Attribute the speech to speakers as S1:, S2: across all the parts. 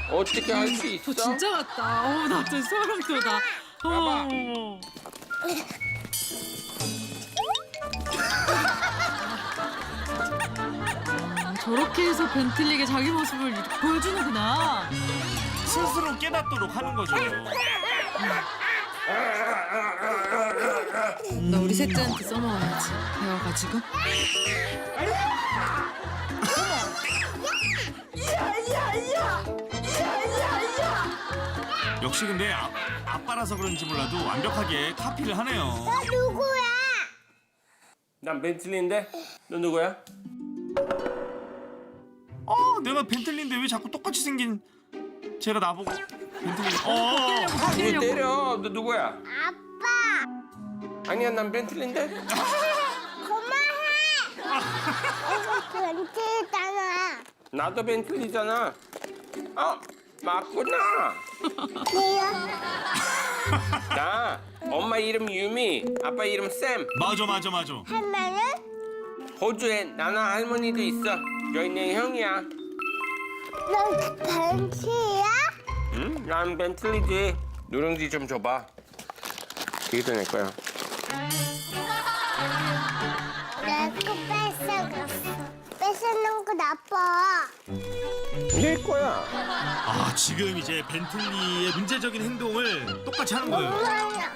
S1: 어떻게 할 수 있어?
S2: 저 진짜 같다. 나 진짜 소름 돋아.
S1: 봐봐.
S2: 저렇게 해서 벤틀리에게 자기 모습을 이렇게 보여주는구나.
S3: 스스로 깨닫도록 하는 거죠.
S2: 나 우리 셋째한테 써먹어야지. 배워가지고.
S3: 역시 근데 아빠라서 그런지 몰라도 완벽하게 카피를 하네요.
S4: 누구야?
S1: 난 벤틀리인데? 너 누구야?
S3: 내가 벤틀리인데 왜 자꾸 똑같이 생긴 제가 나보고 벤틀리.
S1: 왜 때려? 너 누구야?
S4: 아빠.
S1: 아니야, 난 벤틀리인데?
S4: 그만해. 이거 벤틀잖아.
S1: 나도 벤틀리잖아. 맞구나.
S4: 네요.
S1: 나 엄마 이름 유미, 아빠 이름 샘.
S3: 맞아.
S4: 할머니는?
S1: 호주에 나나 할머니도 있어. 여인의 형이야.
S4: 넌 벤틀이야?
S1: 응? 난 벤틀리지. 누룽지 좀 줘봐. 이게 내 거야.
S4: 내거 뺏어갔어. 뺏어놓은 거 나빠.
S1: 내 거야.
S3: 지금 이제 벤틀리의 문제적인 행동을 똑같이 하는 거예요.
S4: 엄마야.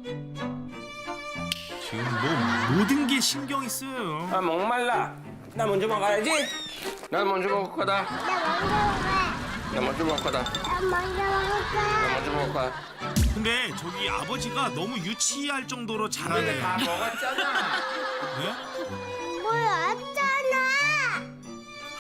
S3: 지금 뭐 모든 게 신경이 쓰여요.
S1: 목말라. 나 먼저 먹어야지. 난 먼저 먹을 거다.
S4: 나 먼저 먹을 거야.
S1: 나 먼저 먹을 거야.
S4: 나 먼저 먹을
S1: 나
S4: 거야.
S1: 먼저 먹을 거야.
S3: 근데 저기 아버지가 너무 유치할 정도로
S1: 근데
S3: 잘하네요.
S1: 다 먹었잖아.
S3: 네?